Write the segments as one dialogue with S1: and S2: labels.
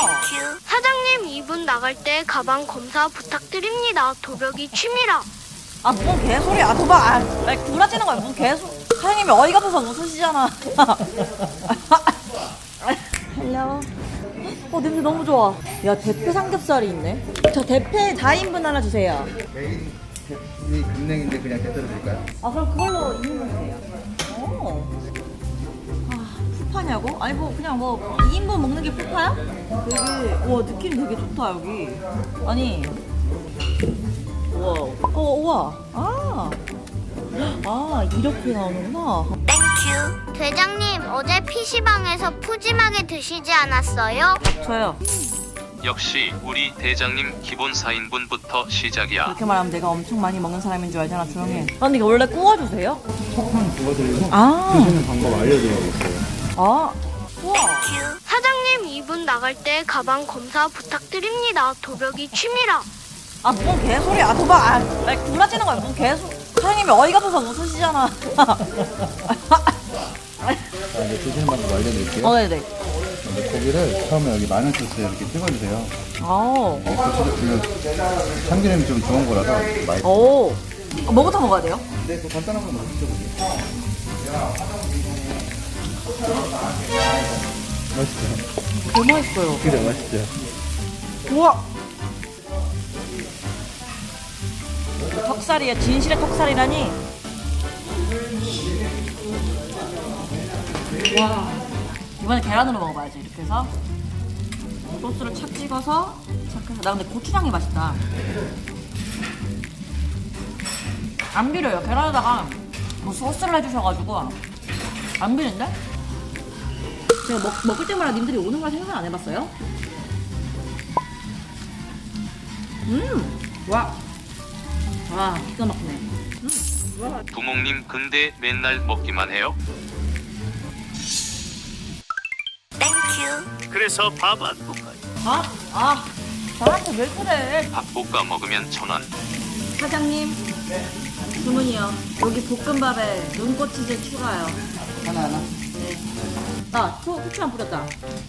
S1: 사장님, 이분 나갈 때 가방 검사 부탁드립니다. 도벽이 취미라.
S2: 아, 뭔 개소리야. 도박. 아, 구라치는 거야. 뭔 개소. 사장님이 어이가 없어서 웃으시잖아. 헬로. 냄새 너무 좋아. 야, 대패 삼겹살이 있네. 저 대패 4인분 하나 주세요.
S3: 메인 이 금냉인데 그냥 대대로 줄까요?
S2: 아, 그럼 그걸로 2인분 주세요. 오. 아, 푸파냐고? 아니, 뭐, 그냥 뭐, 2인분 먹는 게 푸파야? 되게, 와, 느낌 되게 좋다, 여기. 아니. 우와. 우와. 이렇게 나오는구나.
S1: 대장님, 어제 PC방에서 푸짐하게 드시지 않았어요?
S2: 저요.
S4: 역시 우리 대장님 기본 4인분부터 시작이야.
S2: 그렇게 말하면 내가 엄청 많이 먹는 사람인 줄 알잖아. 조용히 해. 근데 이거 원래 구워주세요?
S3: 폭탄 구워드리고
S2: 아.
S3: 드시는 방법 알려드리고 있어요.
S2: 아. 우와.
S1: 사장님, 이분 나갈 때 가방 검사 부탁드립니다. 도벽이 취미라.
S2: 아, 뭔 개소리야. 도박. 아, 구라치는 거야. 뭔 개소. 사장님이 어이가 없어서 웃으시잖아.
S3: 자, 이제 드시는 방법 알려드릴게요.
S2: 네네.
S3: 이제 고기를 처음에 여기 마늘 소스에 이렇게 찍어주세요.
S2: 아.
S3: 고추도 참기름이 좀 좋은 거라서 맛있어요.
S2: 오. 뭐부터 먹어야 돼요?
S3: 네, 그 간단한 거 먼저 드셔보세요. 맛있죠?
S2: 너무 맛있어요.
S3: 그래, 맛있죠?
S2: 우와. 턱살이야. 진실의 턱살이라니. 와. 이번에 계란으로 먹어봐야지. 이렇게 해서 소스를 착 찍어서 착 해서. 나 근데 고추장이 맛있다. 안 비려요. 계란에다가 뭐 소스를 해주셔가지고 안 비린데? 제가 먹을 때마다 님들이 오는 걸 생각 안 해봤어요? 와, 기가 막히네.
S4: 부모님 근데 맨날 먹기만 해요? 그래서 밥 안 볶아요.
S2: 나한테 왜 그래?
S4: 밥 볶아 먹으면 1,000원.
S2: 사장님, 주문이요. 여기 볶음밥에 눈꽃치즈 추가요. 하나. 네. 후추만 뿌렸다.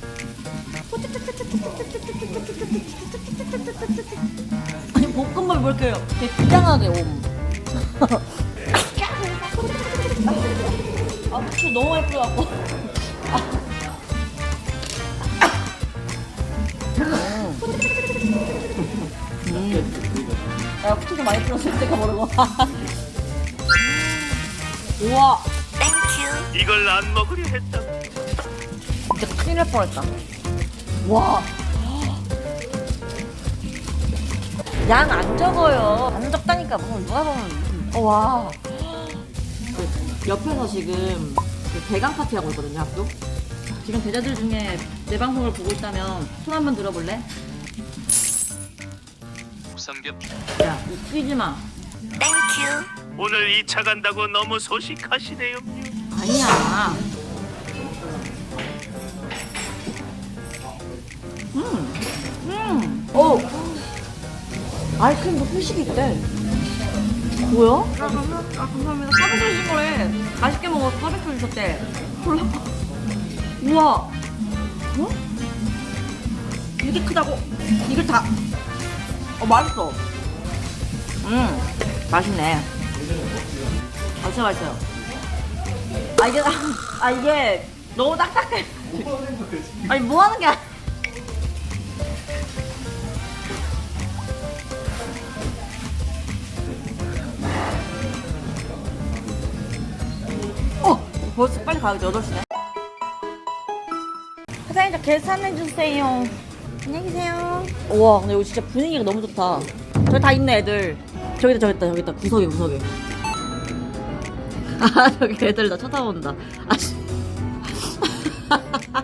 S2: 아니, 볶음밥이 뭘 이렇게 되게 비장하게 옴. 후추 너무 많이 뿌려갖고. 야, 후추 좀 많이 뿌렸을 때가 모르고. 우와.
S4: 이걸 안 먹으려 했다.
S2: 진짜 큰일 날 뻔했다. 와. 양 안 적어요. 안 적다니까. 뭐 누가 보면. 와. 옆에서 지금 대강 파티 하고 있거든요, 학교. 지금 대자들 중에 내 방송을 보고 있다면 손 한번 들어볼래?
S4: 삼겹.
S2: 야, 웃기지 마.
S4: 오늘 2차 간다고 너무 소식하시네요.
S2: 아니야. 오. 아이크림도 표식이 있대. 뭐야? 감사합니다. 서비스 주신 거래. 맛있게 먹어. 서비스 주셨대. 몰라. 우와. 어? 이렇게 크다고? 이걸 다. 맛있어. 맛있네. 진짜 맛있어요. 이게 너무 딱딱해. 아니, 뭐 하는 게 아니야. 벌써 빨리 가야지. 8시네. 사장님, 저 계산해주세요. 안녕히 계세요. 우와, 근데 여기 진짜 분위기가 너무 좋다. 저기 다 있네, 애들. 저기 있다. 구석에. 저기 애들 나 쳐다본다.